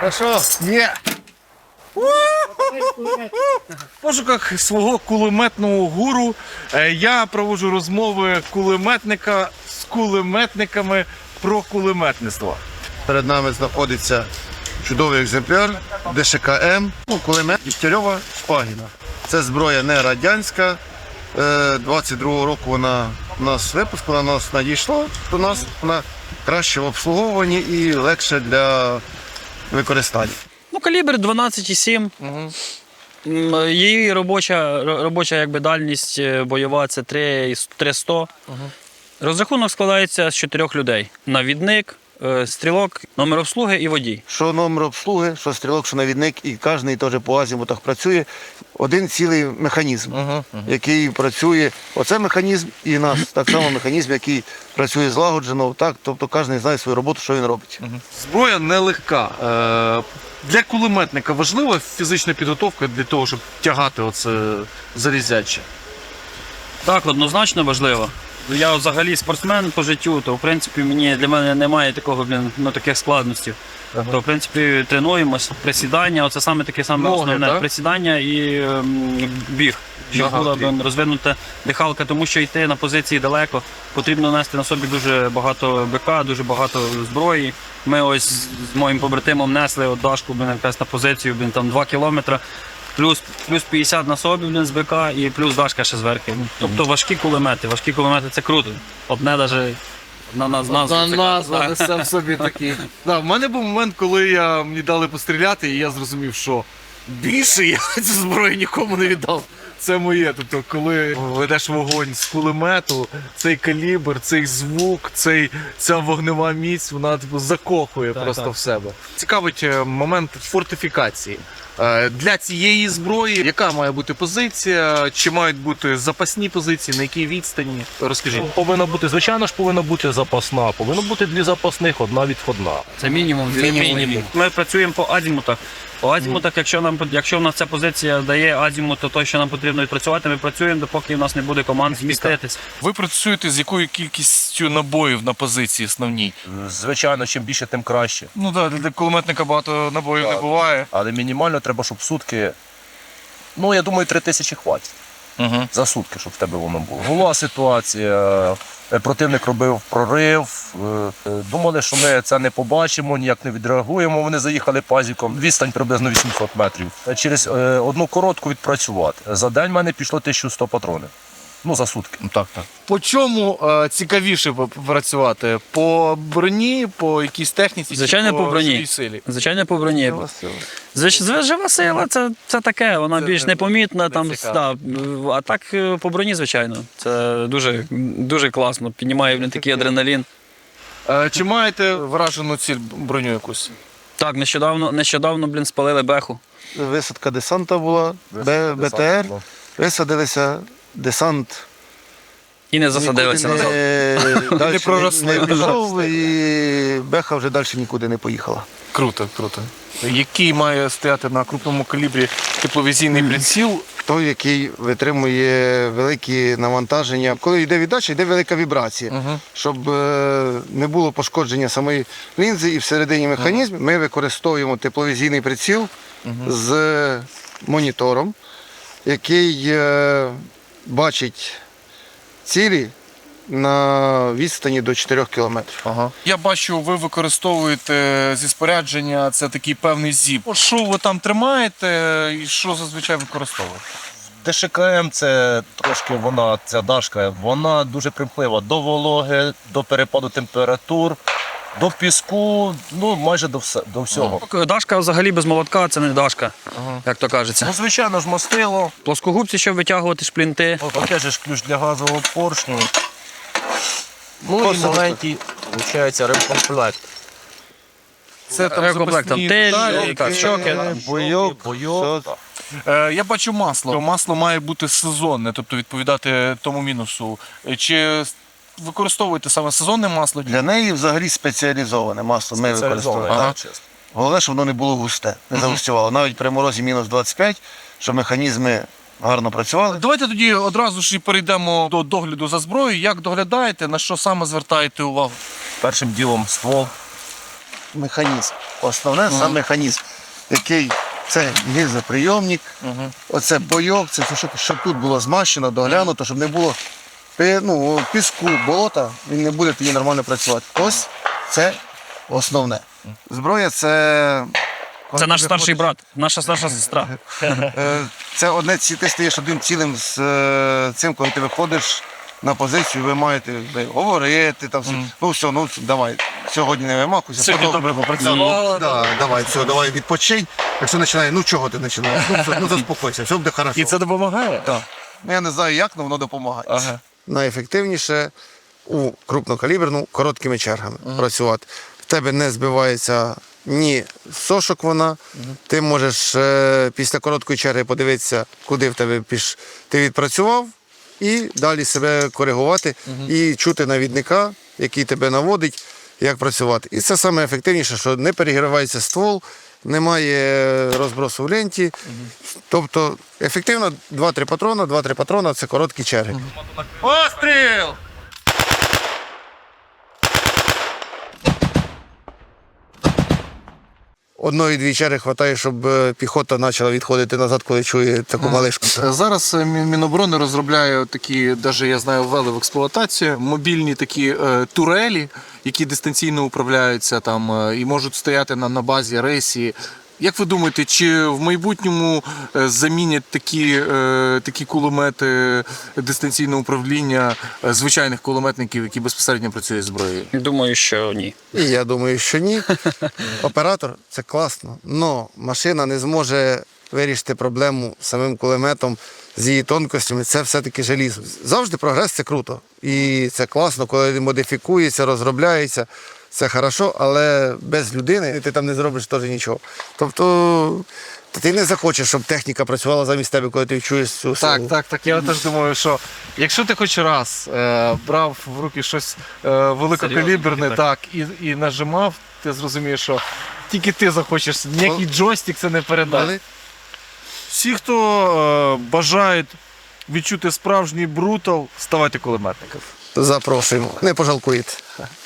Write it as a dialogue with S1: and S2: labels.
S1: Хорошо? Є!
S2: В пошуках свого кулеметного гуру я проводжу розмови кулеметника з кулеметниками про кулеметництво.
S1: Перед нами знаходиться чудовий екземпляр ДШК-М, кулемет Дігтярьова Шпагіна. Це зброя не радянська. 22-го року вона у нас випускала, вона нас надійшла до нас, вона краще в обслуговуванні і легше для використання.
S3: Ну, калібр 12,7. Її робоча якби, дальність бойова – це 300. Розрахунок складається з 4 людей. Навідник, стрілок, номер обслуги і водій.
S1: Що номер обслуги, що стрілок, що навідник, і кожен теж по азімутах працює. Один цілий механізм, який працює. Оце механізм і нас, так само механізм, який працює злагоджено, так, тобто кожен знає свою роботу, що він робить.
S2: Зброя нелегка. Для кулеметника важлива фізична підготовка для того, щоб тягати оце залізяче?
S3: Так, однозначно важливо. Я взагалі спортсмен по життю, то в принципі для мене немає таких складностей. То в принципі тренуємося, присідання, оце саме таке саме основне.
S2: Так?
S3: Присідання і біг. Щоб була розвинута дихалка, тому що йти на позиції далеко, потрібно нести на собі дуже багато БК, дуже багато зброї. Ми ось з моїм побратимом несли Дашку якраз на позицію, там 2 кілометри, плюс 50 на собі з БК і плюс Дашка ще зверху. Тобто важкі кулемети це круто. Одне навіть на
S2: Назва несе в собі такі. В мене був момент, коли мені дали постріляти, і я зрозумів, що більше я цю зброю нікому не віддав. Це моє. Тобто, коли ведеш вогонь з кулемету, цей калібр, цей звук, ця вогнева міць, вона закохує просто в себе. Цікавить момент фортифікації. Для цієї зброї яка має бути позиція, чи мають бути запасні позиції, на якій відстані? Розкажіть.
S4: Повинна бути, звичайно ж, повинна бути запасна, повинно бути 2 запасних, 1 відходна.
S3: Це мінімум. Ми працюємо по азімутах. По азімутах, якщо в нас ця позиція дає азімут, то той, що нам потрібно відпрацювати, ми працюємо, допоки в нас не буде команд зміститись.
S5: Ви працюєте з якою кількістю набоїв на позиції основній?
S4: Звичайно, чим більше, тим краще.
S5: Ну так, для кулеметника багато набоїв не буває.
S4: Але мінімально треба, щоб сутки, я думаю, 3000 хватить. За сутки, щоб в тебе воно було. Була ситуація, противник робив прорив, думали, що ми це не побачимо, ніяк не відреагуємо. Вони заїхали пазіком, відстань приблизно 800 метрів. Через одну коротку відпрацювати. За день в мене пішло 1100 патронів. За сутки.
S2: Так. По чому цікавіше працювати? По броні, по якійсь техніці?
S3: Звичайно,
S2: чи
S3: по броні.
S2: живій силі?
S3: Звичайно, по броні. Жива сила це таке, вона більш непомітна. А так по броні, звичайно. Це дуже класно, піднімає такий адреналін.
S2: Чи маєте вражену ціль броню якусь?
S3: Так, нещодавно спалили беху.
S1: Висадка десанта була, БТР, висадилися, десант
S3: І не засадилися назад.
S1: не пішов, і беха вже далі нікуди не поїхала.
S2: Круто. Який має стояти на крупному калібрі тепловізійний приціл?
S1: Той, який витримує великі навантаження. Коли йде віддача, йде велика вібрація. Щоб не було пошкодження самої лінзи, і всередині механізму ми використовуємо тепловізійний приціл з монітором, який бачить цілі на відстані до 4 кілометрів.
S5: Я бачу, ви використовуєте зі спорядження, це такий певний зіп. Що ви там тримаєте і що зазвичай використовуєте?
S4: ДШК-М це трошки ця дашка, вона дуже примхлива до вологи, до перепаду температур, до піску, майже до всього.
S3: Дашка взагалі без молотка це не дашка, як то кажеться.
S4: Звичайно ж, мастило.
S3: Плоскогубці, щоб витягувати шплінти.
S4: Опять же ключ для газового поршню. І маленький, виходить, ремкомплект.
S5: Це там
S3: Ремкомплект, там тель, щоки.
S1: Бойок.
S5: Я бачу масло. Масло має бути сезонне, тобто відповідати тому мінусу. Чи використовуєте саме сезонне масло?
S1: Для неї взагалі спеціалізоване масло ми використовуємо. Головне, щоб воно не було густе, не загустювало. Навіть при морозі мінус 25, щоб механізми гарно працювали.
S5: Давайте тоді одразу ж і перейдемо до догляду за зброєю. Як доглядаєте, на що саме звертаєте увагу?
S4: Першим ділом ствол.
S1: механізм. Основне сам механізм, який це гільзоприйомник, оце бойок, це все, щоб тут було змащено, доглянуто, щоб не було піску, болота, він не буде тоді нормально працювати. Ось це основне. Зброя це.
S3: Це наш старший брат, наша старша сестра.
S1: Це одне, ти стаєш одним цілим з цим, коли ти виходиш на позицію, ви маєте говорити, там, давай, сьогодні не вимахуйся.
S3: Сьогодні добре попрацював.
S1: Давай, давай відпочинь. Якщо починає, чого ти починаєш? Заспокойся, все буде добре.
S2: І це допомагає?
S1: Так. Я не знаю як, але воно допомагає.
S2: Ага.
S1: Найефективніше у крупнокаліберну короткими чергами працювати. В тебе не збивається ні сошок вона, ти можеш після короткої черги подивитися, куди в тебе ти відпрацював, і далі себе коригувати, і чути навідника, який тебе наводить, як працювати. І це саме ефективніше, що не перегрівається ствол, немає розбросу в ленті. Тобто ефективно 2-3 патрона – це короткі черги.
S2: Постріл!
S1: Одної-дві черги вистачає, щоб піхота почала відходити назад, коли чує таку малишку.
S2: Зараз Міноборони розробляє такі, навіть я знаю, ввели в експлуатацію, мобільні такі турелі, які дистанційно управляються там і можуть стояти на базі рейсі. Як ви думаєте, чи в майбутньому замінять такі кулемети дистанційного управління звичайних кулеметників, які безпосередньо працюють з зброєю?
S3: Думаю, що ні.
S1: І я думаю, що ні. Оператор – це класно, але машина не зможе вирішити проблему самим кулеметом з її тонкостями. Це все-таки желізо. Завжди прогрес – це круто. І це класно, коли модифікується, розробляється. Це хорошо, але без людини ти там не зробиш теж нічого. Тобто ти не захочеш, щоб техніка працювала замість тебе, коли ти чуєш цю силу.
S2: Так. Я теж думаю, що якщо ти хоч раз брав в руки щось великокаліберне, так, і нажимав, ти зрозумієш, що тільки ти захочеш, ніякий джойстик це не передасть. Всі, хто бажають відчути справжній брутал, ставайте кулеметником.
S1: Запрошуємо. Не пожалкуєте.